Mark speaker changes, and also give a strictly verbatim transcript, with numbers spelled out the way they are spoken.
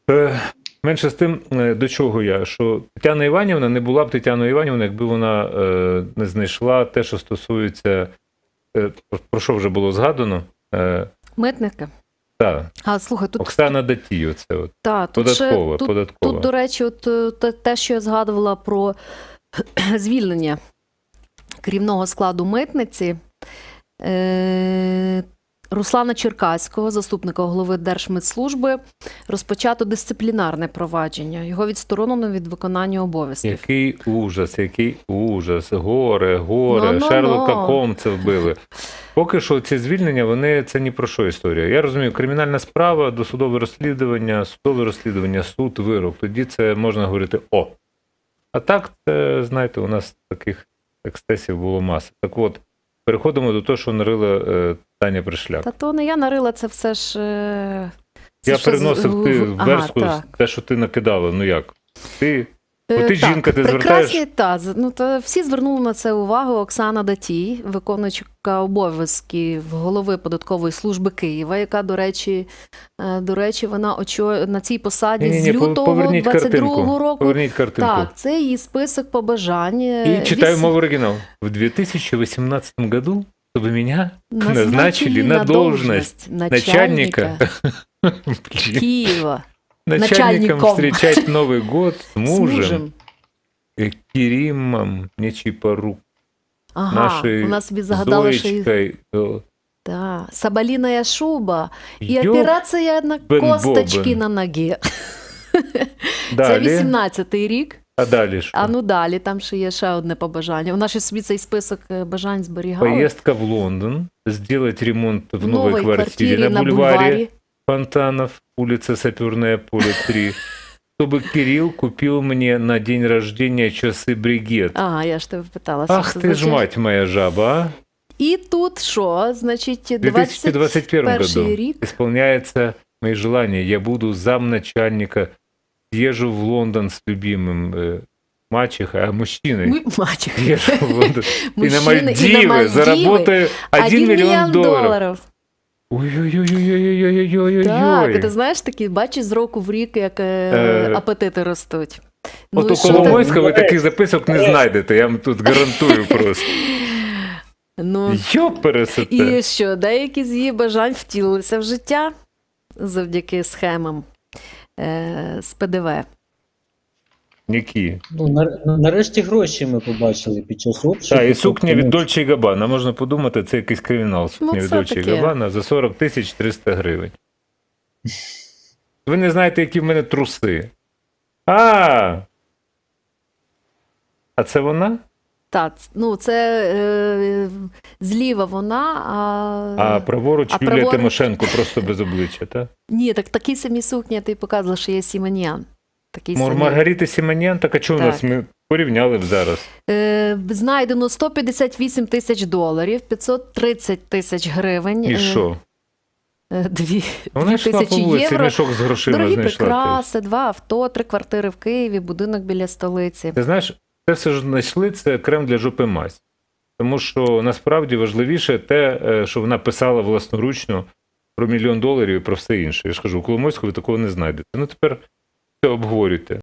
Speaker 1: Е, Менше з тим, е, до чого я, що Тетяна Іванівна не була б Тетяною Іванівною, якби вона е, не знайшла те, що стосується, е, про що вже було згадано. Е,
Speaker 2: Митники.
Speaker 1: та,
Speaker 2: А, слухай, тут...
Speaker 1: Оксана Датій, оце от.
Speaker 2: Та, тут
Speaker 1: Податкова,
Speaker 2: ще, тут,
Speaker 1: податкова.
Speaker 2: Тут, до речі, от е, те- те, що я згадувала про звільнення керівного складу митниці, е, Руслана Черкаського, заступника голови Держмитслужби, розпочато дисциплінарне провадження. Його відсторонено від виконання обов'язків.
Speaker 1: Який ужас, який ужас. Горе, горе,
Speaker 2: Ну-ну-ну.
Speaker 1: Шерлока Холмса вбили. Поки що ці звільнення, вони це ні про що історія. Я розумію, кримінальна справа, досудове розслідування, судове розслідування, суд, вирок. Тоді це можна говорити «о». А так, це, знаєте, у нас таких ексцесів було маса. Так от, переходимо до того, що нарила е, Таня Пришляк.
Speaker 2: Та то не я нарила, це все ж... е, це
Speaker 1: Я
Speaker 2: ж все з-
Speaker 1: переносив ти в
Speaker 2: Ага,
Speaker 1: верстку
Speaker 2: так.
Speaker 1: те, що ти накидала. Ну як? Ти...
Speaker 2: Е,
Speaker 1: От ти
Speaker 2: так,
Speaker 1: жінка, ти
Speaker 2: прекрасні,
Speaker 1: звертаєш...
Speaker 2: та, з- ну, то всі звернули на це увагу. Оксана Датій, виконуючка обов'язків голови податкової служби Києва, яка, до речі, е, до речі, вона очо... на цій посаді
Speaker 1: Ні-ні-ні,
Speaker 2: з лютого
Speaker 1: поверніть
Speaker 2: двадцять другого
Speaker 1: картинку.
Speaker 2: року.
Speaker 1: Поверніть картинку.
Speaker 2: Так, це її список побажань.
Speaker 1: И читаю
Speaker 2: Віс-
Speaker 1: мову оригинал. В две тысячи восемнадцатом году, чтобы меня
Speaker 2: назначили
Speaker 1: назначили на должность начальника, Блин,
Speaker 2: Києва
Speaker 1: начальником
Speaker 2: начальником.
Speaker 1: встречать Новый год с
Speaker 2: з
Speaker 1: мужем,
Speaker 2: мужем.
Speaker 1: э, Керимом Нечипорук,
Speaker 2: Ага,
Speaker 1: нашей
Speaker 2: вона собі загадала, що її...
Speaker 1: Зоечкой. Э,
Speaker 2: Да, соболиная шуба і
Speaker 1: ёб
Speaker 2: операція на
Speaker 1: бен
Speaker 2: косточки
Speaker 1: бобен.
Speaker 2: на ногі. Це
Speaker 1: Далее,
Speaker 2: вісімнадцятий рік.
Speaker 1: а далі що?
Speaker 2: А ну далі, там ще є ще одне побажання. Вона ще собі цей список е, бажань зберігала.
Speaker 1: Поездка в Лондон, сделать ремонт в новой,
Speaker 2: новій
Speaker 1: квартире,
Speaker 2: квартирі
Speaker 1: на бульваре Фонтанов, улица Саперная, поле три, чтобы Кирилл купил мне на день рождения часы бригет.
Speaker 2: Ага, я ж тебе питала. що
Speaker 1: Ах
Speaker 2: це
Speaker 1: ты ж
Speaker 2: означає.
Speaker 1: мать моя жаба, а!
Speaker 2: І тут що? Значить,
Speaker 1: В две тысячи двадцать первом
Speaker 2: перший
Speaker 1: году
Speaker 2: рік.
Speaker 1: исполняется мои желания. Я буду замначальника, езжу в Лондон с любимым э, мачехой, а мужчиной.
Speaker 2: Ми... Мачех.
Speaker 1: Езжу в Лондон. И на
Speaker 2: Мужчини, і на
Speaker 1: Мальдивы
Speaker 2: Мальдіви.
Speaker 1: заработаю один миллион долларов.
Speaker 2: доларів.
Speaker 1: Ой-ой-ой-ой-ой-ой-ой-ой-ой.
Speaker 2: Так, ти знаєш, такі, бачиш, з року в рік, як е,
Speaker 1: Е,
Speaker 2: апетити ростуть.
Speaker 1: От
Speaker 2: і
Speaker 1: у
Speaker 2: що ти-
Speaker 1: Коломойського ви таких записок не знайдете, я вам тут гарантую просто.
Speaker 2: Ну,
Speaker 1: Йопересете.
Speaker 2: і що, деякі з її бажань втілилися в життя завдяки схемам е, з ПДВ.
Speaker 1: Які?
Speaker 3: Ну, нар- нарешті гроші ми побачили під час обшуку.
Speaker 1: Так, і сукня від
Speaker 3: Тобто,
Speaker 1: Дольче і Габбана. Можна подумати, це якийсь кримінал. Сукня
Speaker 2: Ну,
Speaker 1: від
Speaker 2: це
Speaker 1: Дольче і
Speaker 2: таке.
Speaker 1: Габбана за сорок тисяч триста гривень. Ви не знаєте, які в мене труси. А! А це вона?
Speaker 2: Так, ну це е, зліва вона, а...
Speaker 1: А праворуч
Speaker 2: а
Speaker 1: Юлія
Speaker 2: праворуч-
Speaker 1: Тимошенко просто без обличчя, так?
Speaker 2: Ні, так такі самі сукні, я тобі показувала, що є Сіманіян. Такий
Speaker 1: Мор
Speaker 2: самий.
Speaker 1: Маргарита Сіманян, так а чого у
Speaker 2: Так.
Speaker 1: нас ми порівняли б зараз?
Speaker 2: Е, знайдено сто п'ятдесят вісім тисяч доларів, п'ятсот тридцять тисяч гривень.
Speaker 1: І
Speaker 2: е,
Speaker 1: що?
Speaker 2: е, Дві,
Speaker 1: Вона
Speaker 2: дві
Speaker 1: йшла по
Speaker 2: тисячі
Speaker 1: вулиці,
Speaker 2: євро.
Speaker 1: мішок з грошима
Speaker 2: Дорогі
Speaker 1: знайшла.
Speaker 2: прикраси, два авто, три квартири в Києві, будинок біля столиці.
Speaker 1: Ти знаєш, це все ж знайшли, це крем для жопи мазь. Тому що насправді важливіше те, е, що вона писала власноручно про мільйон доларів і про все інше. Я ж кажу, у Коломойського ви такого не знайдете. Ну тепер все обговорюйте.